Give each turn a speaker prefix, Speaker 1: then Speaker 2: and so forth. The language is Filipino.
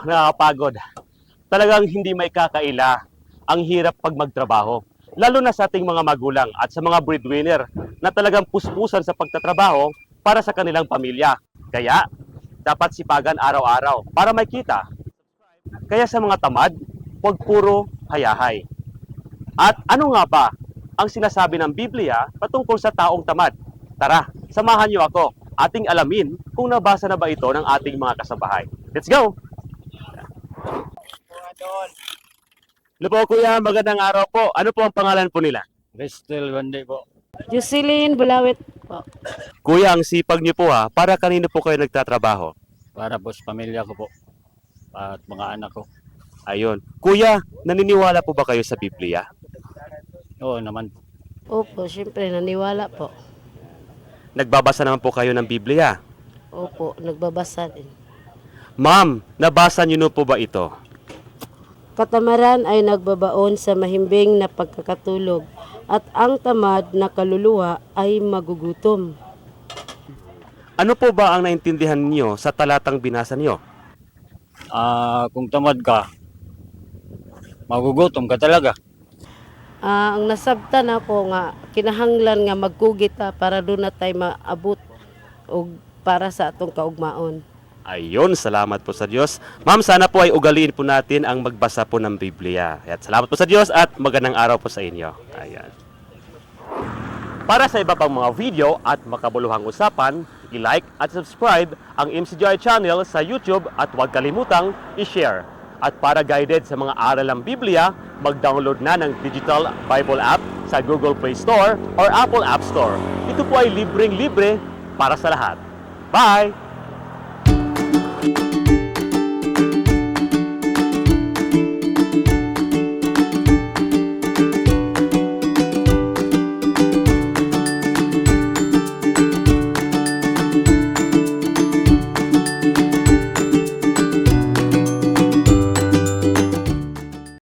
Speaker 1: nakakapagod. Talagang hindi may kakaila ang hirap pag magtrabaho. Lalo na sa ating mga magulang at sa mga breadwinner na talagang puspusan sa pagtatrabaho para sa kanilang pamilya. Kaya, dapat sipagan araw-araw para may kita. Kaya sa mga tamad, huwag puro hayahay. At ano nga ba ang sinasabi ng Biblia patungkol sa taong tamad? Tara, samahan niyo ako. Ating alamin kung nabasa na ba ito ng ating mga kasabahay. Let's go! Ano po kuya, magandang araw po. Ano po ang pangalan po nila?
Speaker 2: Crystal Bande po.
Speaker 3: Jocelyn Bulawit po.
Speaker 1: Kuya, ang sipag niyo po ha. Para kanino po kayo nagtatrabaho?
Speaker 2: Para po sa pamilya ko po. At mga anak ko.
Speaker 1: Ayun. Kuya, naniniwala po ba kayo sa Biblia?
Speaker 2: Oo naman.
Speaker 3: Opo, syempre naniwala po.
Speaker 1: Nagbabasa naman po kayo ng Biblia.
Speaker 3: Opo, nagbabasa din.
Speaker 1: Ma'am, nabasa niyo na po ba ito?
Speaker 3: Katamaran ay nagbabaon sa mahimbing na pagkakatulog at ang tamad na kaluluwa ay magugutom.
Speaker 1: Ano po ba ang naintindihan niyo sa talatang binasa niyo?
Speaker 2: Kung tamad ka, magugutom ka talaga.
Speaker 3: Ang nasabtan ako nga, kinahanglan nga magkugit para doon na tayo maabot o para sa atong kaugmaon.
Speaker 1: Ayun, salamat po sa Diyos. Ma'am, sana po ay ugaliin po natin ang magbasa po ng Biblia. At salamat po sa Diyos at magandang araw po sa inyo. Ayan. Para sa iba pang mga video at makabuluhang usapan, i-like at subscribe ang MCGI channel sa YouTube at huwag kalimutang i-share. At para guided sa mga aral ng Biblia, mag-download na ng Digital Bible App sa Google Play Store or Apple App Store. Ito po ay libreng-libre para sa lahat. Bye!